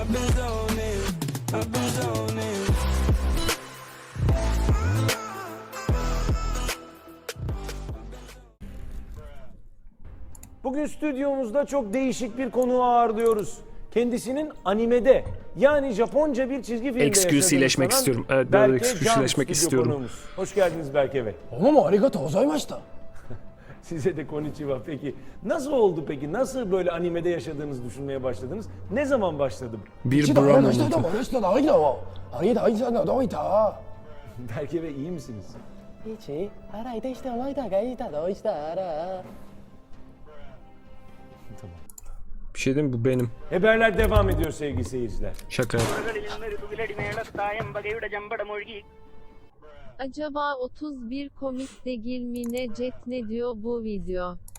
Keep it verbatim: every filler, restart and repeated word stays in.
I've been zoning, I've been zoning. Bugün stüdyomuzda çok değişik bir konuğu ağırlıyoruz. Kendisinin animede yani Japonca bir çizgi filmde Excuse-ileşmek yaşadığını istiyorum. sanan Evet, biraz Berke Can excuse-leşmek stüdyo istiyorum. konuğumuz. Hoş geldiniz Berke Bey. どうもありがとうございました。 Size de konnichiwa. Peki nasıl oldu peki? Nasıl böyle animede yaşadığınızı düşünmeye başladınız? Ne zaman başladı? Bir 一度 Brown あの人と oldu. もあの人の間はあれだあいつはどういた Berke Bey iyi misiniz? 一洗いでしておいたがいたどうしたら Tamam. Bir şey diyeyim mi? Bu benim. Haberler devam ediyor sevgili seyirciler. Şaka yap. Acaba otuz bir komik değil mi ne Jet ne diyor bu video?